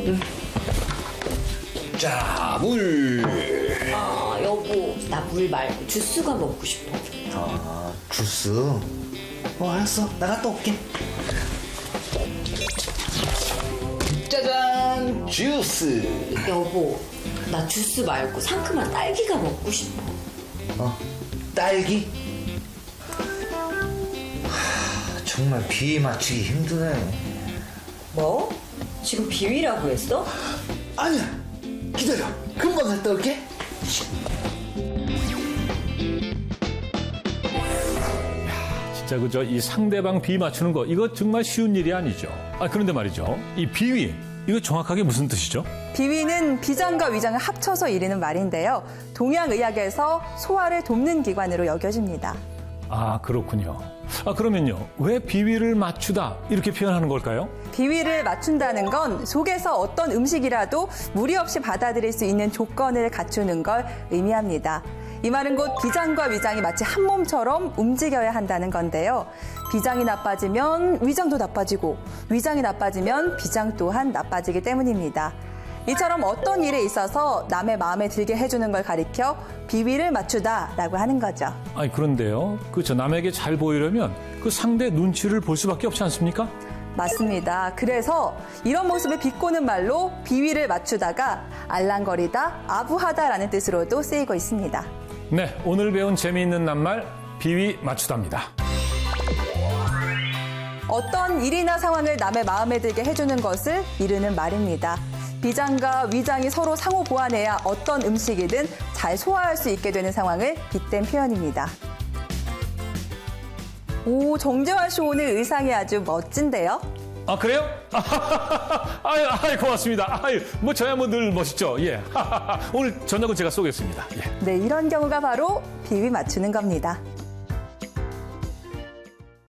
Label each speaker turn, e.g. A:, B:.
A: 자, 물.
B: 아, 여보, 나 물 말고 주스가 먹고 싶어.
A: 아, 주스. 알았어. 나 갔다 올게. 짜잔, 주스.
B: 여보, 나 주스 말고 상큼한 딸기가 먹고 싶어.
A: 딸기? 정말 비위 맞추기 힘드네.
B: 뭐? 지금 비위라고 했어?
A: 아니야, 기다려. 금방 갔다 올게.
C: 진짜 그죠? 이 상대방 비위 맞추는 거 이거 정말 쉬운 일이 아니죠. 그런데 말이죠. 이 비위 이거 정확하게 무슨 뜻이죠?
D: 비위는 비장과 위장을 합쳐서 이르는 말인데요. 동양의학에서 소화를 돕는 기관으로 여겨집니다.
C: 아, 그렇군요. 그러면요. 왜 비위를 맞추다 이렇게 표현하는 걸까요?
D: 비위를 맞춘다는 건 속에서 어떤 음식이라도 무리 없이 받아들일 수 있는 조건을 갖추는 걸 의미합니다. 이 말은 곧 비장과 위장이 마치 한 몸처럼 움직여야 한다는 건데요. 비장이 나빠지면 위장도 나빠지고 위장이 나빠지면 비장 또한 나빠지기 때문입니다. 이처럼 어떤 일에 있어서 남의 마음에 들게 해주는 걸 가리켜 비위를 맞추다라고 하는 거죠.
C: 그런데요. 그렇죠. 남에게 잘 보이려면 그 상대 눈치를 볼 수밖에 없지 않습니까?
D: 맞습니다. 그래서 이런 모습을 비꼬는 말로 비위를 맞추다가 알랑거리다, 아부하다라는 뜻으로도 쓰이고 있습니다.
C: 네, 오늘 배운 재미있는 낱말 비위 맞추다입니다.
D: 어떤 일이나 상황을 남의 마음에 들게 해주는 것을 이르는 말입니다. 비장과 위장이 서로 상호 보완해야 어떤 음식이든 잘 소화할 수 있게 되는 상황을 빗댄 표현입니다. 오, 정재환 씨 오늘 의상이 아주 멋진데요?
C: 그래요? 고맙습니다. 저야 늘 멋있죠. 예. 오늘 저녁은 제가 쏘겠습니다. 예.
D: 네, 이런 경우가 바로 비위 맞추는 겁니다.